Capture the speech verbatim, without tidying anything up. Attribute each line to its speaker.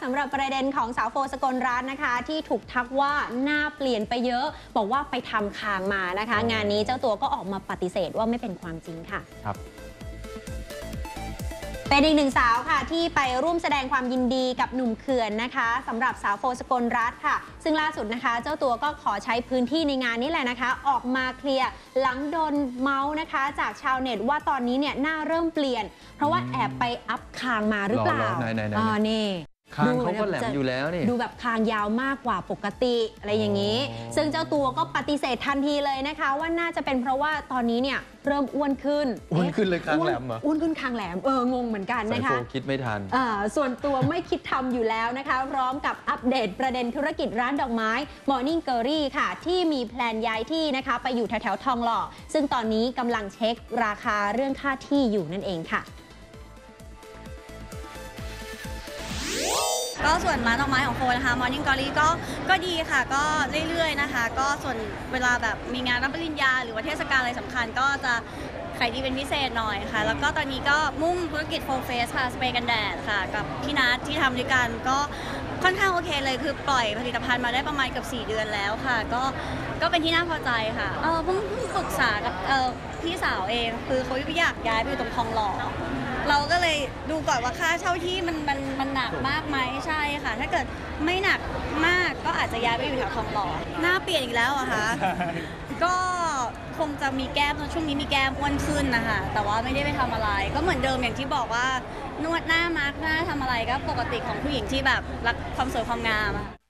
Speaker 1: สำหรับประเด็นของสาวโฟสกลรัตน์นะคะที่ถูกทักว่าหน้าเปลี่ยนไปเยอะบอกว่าไปทำคางมานะคะงานนี้เจ้าตัวก็ออกมาปฏิเสธว่าไม่เป็นความจริงค่ะ
Speaker 2: ครับ
Speaker 1: เป็นอีกหนึ่งสาวค่ะที่ไปร่วมแสดงความยินดีกับหนุ่มเขื่อนนะคะสำหรับสาวโฟสกลรัตน์ค่ะซึ่งล่าสุดนะคะเจ้าตัวก็ขอใช้พื้นที่ในงานนี้แหละนะคะออกมาเคลียร์หลังโดนเมาส์นะคะจากชาวเน็ตว่าตอนนี้เนี่ยหน้าเริ่มเปลี่ยนเพราะว่าแอบไปอัพคางมาหรือเปล่าอ๋อนี่
Speaker 2: คางเขาก็แหลมอยู่แล้วนี่
Speaker 1: ดูแบบคางยาวมากกว่าปกติอะไรอย่างนี้ซึ่งเจ้าตัวก็ปฏิเสธทันทีเลยนะคะว่าน่าจะเป็นเพราะว่าตอนนี้เนี่ยเริ่มอ้วนขึ้น
Speaker 2: อ้วนขึ้นเลยคางแหลมเหรอ
Speaker 1: อ้วนขึ้นคางแหลมเอองงเหมือนกันนะคะ
Speaker 2: คิดไม่ทัน
Speaker 1: ส่วนตัวไม่คิดทำอยู่แล้วนะคะพร้อมกับอัปเดตประเด็นธุรกิจร้านดอกไม้ Morning Glory ค่ะที่มีแพลนย้ายที่นะคะไปอยู่แถวๆทองหล่อซึ่งตอนนี้กำลังเช็คราคาเรื่องค่าที่อยู่นั่นเองค่ะ
Speaker 3: ก็ส่วนร้านดอกไม้ของโฟนะคะ Morning Glory ก็ก็ดีค่ะก็เรื่อยๆนะคะก็ส่วนเวลาแบบมีงานรับปริญญาหรือว่าเทศกาลอะไรสำคัญก็จะขายดีเป็นพิเศษหน่อยค่ะแล้วก็ตอนนี้ก็มุ่งธุรกิจโฟเฟสค่ะสเปรย์กันแดดค่ะกับพี่นัทที่ทำด้วยกันก็ค่อนข้างโอเคเลยคือปล่อยผลิตภัณฑ์มาได้ประมาณเกือบสี่เดือนแล้วค่ะก็ก็เป็นที่น่าพอใจค่ะเออเพิ่งเพิ่งปรึกษากับเออพี่สาวเองคือเขาอยากย้ายไปอยู่ตรงคลองหล่อเราก็เลยดูก่อนว่าค่าเช่าที่มันมันมันหนักมากไหมใช่ค่ะถ้าเกิดไม่หนักมากก็อาจจะย้ายไปอยู่แถวทองหล่อหน้าเปลี่ยนอีกแล้วอะคะก็คงจะมีแก้มช่วงนี้มีแก้มอ้วนขึ้นนะคะแต่ว่าไม่ได้ไปทำอะไรก็เหมือนเดิมอย่างที่บอกว่านวดหน้ามาร์กหน้าทำอะไรก็ปกติของผู้หญิงที่แบบรักความสวยความงาม